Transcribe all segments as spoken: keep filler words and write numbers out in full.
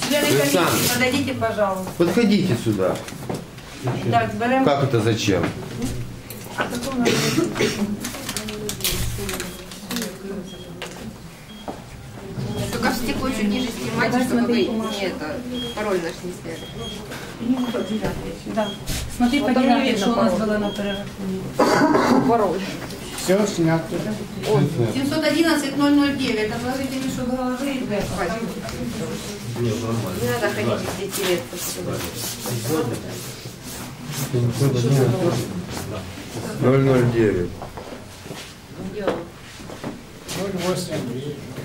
комиссии подойдите, пожалуйста. Подходите сюда. Так, берем... Как это зачем? А какой надо? Только в стекло чуть ниже снимайте, чтобы вы не это, пароль наш не сняли. Да. Смотри, по девятке, что у нас было на перерахунке. Пароль. Все снято. семьсот одиннадцать ноль ноль девять. Отложите мешок головы и две. Не надо ходить в дети лет. ноль ноль девять. ноль восемь.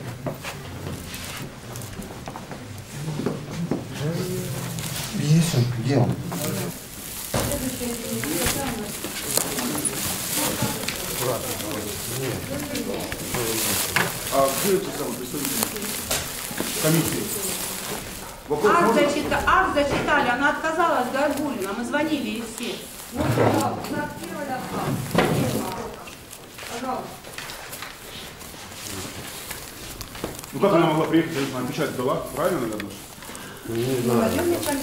Есть он, где он? А где эти самые представители комиссии? Акт, зачита... Акт зачитали, она отказалась, Горгулина. Мы звонили и все. Вот, пожалуйста, пожалуйста. Ну как она могла приехать, я не знаю, печать дала? Правильно, наверное? Не знаю.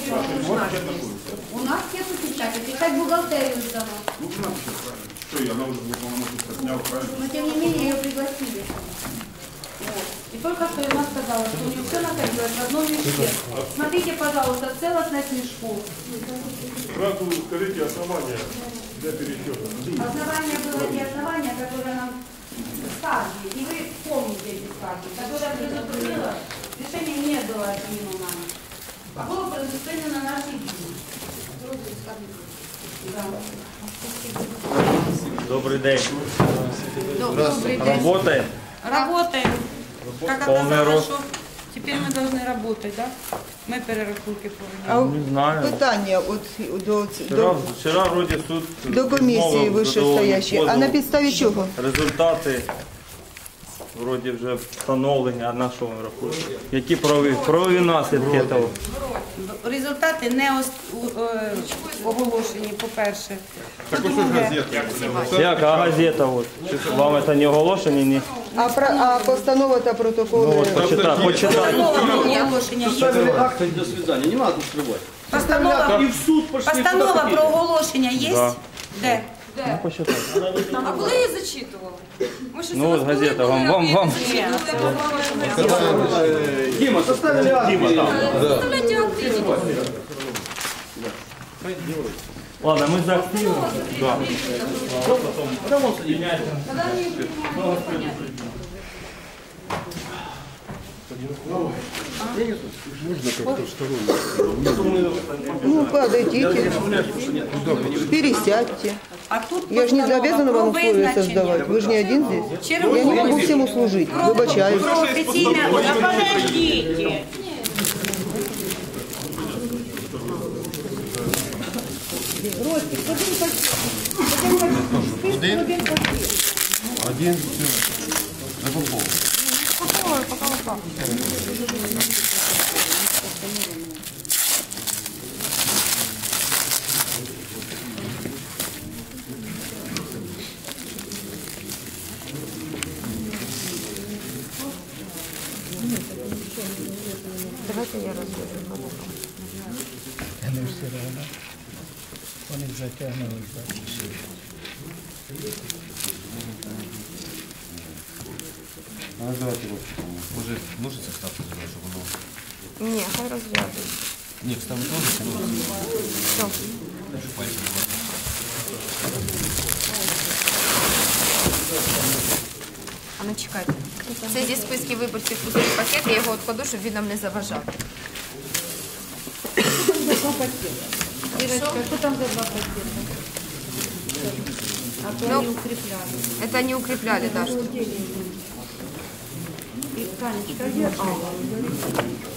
У нас нету печати, печать бухгалтерию сдала. Ну, она печать, правильно. Что, и она уже была полномочия сняла, правильно? Но тем не менее ее пригласили. Вот. И только что она сказала, что у нее все находилось в одном мешке. Смотрите, пожалуйста, целостность мешков. Сразу скажите основания для пересчета. Основания было те основания, которые нам сказали. И вы помните эти сказки, которые предупредила, решение не было отменено нами. А было предусмотрено на нашей жизни. Да. Добрый день. Добрый день. Работаем? Работаем. Как Полный оказалось, рост. что теперь мы должны работать, да? Ми перерахунки А повинні. Не знаю. питання от, до, Вчера, до, вчера вроде суд до комісії відмовив вищестоящої. А задоволений на позов. підставі чого? Результати вроді вже встановлені, а на що ми рахуємо? Які правові, правові наслідки того? Результати не ос- у- е, оголошені, по-перше. Так вот что же газета? Як, а газета от? Вам це не оголошені? Ні? А, про, а постанова та протоколи? Ну от почитай, почитай. Постанова про оголошення є. Акты до свидания, не надо скрывать. Постанова, И в суд пошли. постанова про оголошення є? Да. Де? Ну, почитай. А коли її зачитували? Ми щось Ну от газета, вам, вам, вам. Дима, составили акты. Дима, Составляйте акти. Ладно, мы заактивируем. Да. Ну, подойдите, пересядьте. А тут Я же не постанова обязана про вам условия визначення. создавать. Вы же не один здесь. Я не Чергового. могу всем услужить. Выбачаюсь. Про офіційне... А подождіть. Один. За Попова. Давайте я розкажу. Не все одно. Вони затягнули. Ну, давайте вот. Може ножиці вставити, щоб воно... Ні, хай розв'язують. Ні, вставити ножиці, ножиці. Все. Щоб пальці не бачили. А ну чекайте. Це зі списки виборців пустий пакет, я його відкладу, щоб він нам не заважав. Ирочка, что там за два пакета? А то Ну, они укрепляли. Это не укрепляли даже. И, Танечка, держи.